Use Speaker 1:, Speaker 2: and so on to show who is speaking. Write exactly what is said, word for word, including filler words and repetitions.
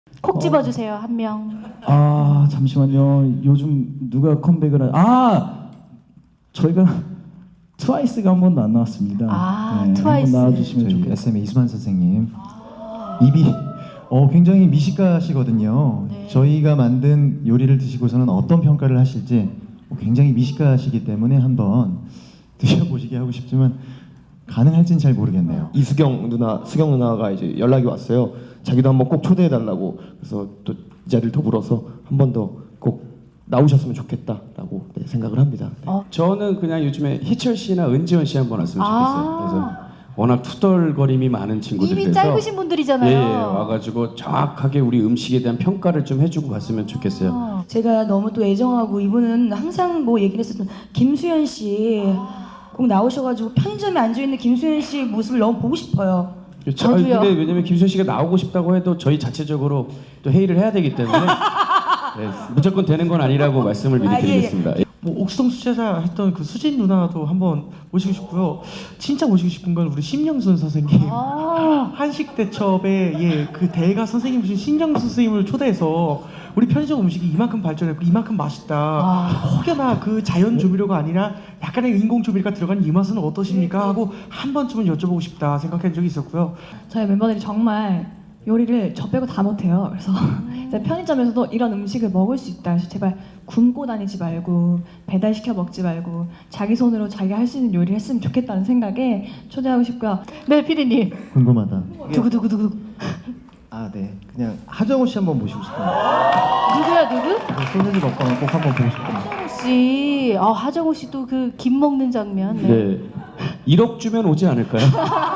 Speaker 1: 콕 집어주세요. 한 명.
Speaker 2: 아 잠시만요. 요즘 누가 컴백을 하... 아 저희가 트와이스가 한 번도 안 나왔습니다.
Speaker 1: 아,
Speaker 2: 네,
Speaker 1: 트와이스.
Speaker 2: 한번 나와주시면
Speaker 3: 저희
Speaker 2: 좋겠어요.
Speaker 3: 에스엠의 이수만 선생님 입이 어, 굉장히 미식가시거든요.
Speaker 1: 네.
Speaker 3: 저희가 만든 요리를 드시고서는 어떤 평가를 하실지 굉장히 미식가시기 때문에 한번 드셔보시게 하고 싶지만 가능할진 잘 모르겠네요.
Speaker 4: 이수경 누나, 수경 누나가 이제 연락이 왔어요. 자기도 한번 꼭 초대해 달라고. 그래서 또 이 자리를 더불어서 한 번 더 꼭 나오셨으면 좋겠다라고 네, 생각을 합니다. 네.
Speaker 1: 어.
Speaker 5: 저는 그냥 요즘에 희철 씨나 은지원 씨 한번 왔으면 좋겠어요.
Speaker 1: 아.
Speaker 5: 그래서 워낙 투덜거림이 많은 친구들이
Speaker 1: 입이
Speaker 5: 돼서
Speaker 1: 짧으신 분들이잖아요.
Speaker 5: 예, 예, 와가지고 정확하게 우리 음식에 대한 평가를 좀 해주고 갔으면 좋겠어요.
Speaker 1: 어.
Speaker 6: 제가 너무 또 애정하고 이분은 항상 뭐 얘기를 했었던 김수현 씨 꼭 나오셔가지고 편의점에 앉아있는 김수현 씨의 모습을 너무 보고 싶어요.
Speaker 5: 그렇죠. 아니,
Speaker 1: 저도요.
Speaker 5: 근데 왜냐면 김수현 씨가 나오고 싶다고 해도 저희 자체적으로 또 회의를 해야 되기 때문에 네, 무조건 되는 건 아니라고 말씀을 미리
Speaker 6: 아, 예, 예.
Speaker 5: 드리겠습니다. 예.
Speaker 7: 뭐 옥성 수제자 했던 그 수진 누나도 한번 모시고 싶고요. 진짜 모시고 싶은 건 우리 신영순 선생님.
Speaker 1: 아.
Speaker 7: 한식 대첩의 예, 그 대가 선생님이신 신영순 선생님을 초대해서 우리 편의점 음식이 이만큼 발전했고 이만큼 맛있다.
Speaker 1: 아.
Speaker 7: 혹여나 그 자연 조미료가 아니라 약간의 인공 조미료가 들어간 이 맛은 어떠십니까? 하고 한 번쯤은 여쭤보고 싶다 생각한 적이 있었고요.
Speaker 8: 저희 멤버들이 정말 요리를 저 빼고 다 못해요. 그래서 이제 편의점에서도 이런 음식을 먹을 수 있다. 그래서 제발 굶고 다니지 말고 배달 시켜 먹지 말고 자기 손으로 자기 할 수 있는 요리를 했으면 좋겠다는 생각에 초대하고 싶고요.
Speaker 1: 네, 피디님.
Speaker 3: 궁금하다.
Speaker 1: 두구두구두구.
Speaker 9: 아, 네. 그냥 하정우 씨 한번 모시고 싶어요.
Speaker 1: 누구야, 누구?
Speaker 9: 소세지 먹방을 꼭 한번 보고 싶어요.
Speaker 1: 하정우 씨. 아, 하정우 씨도 그 김 먹는 장면. 네.
Speaker 5: 네. 일억 주면 오지 않을까요?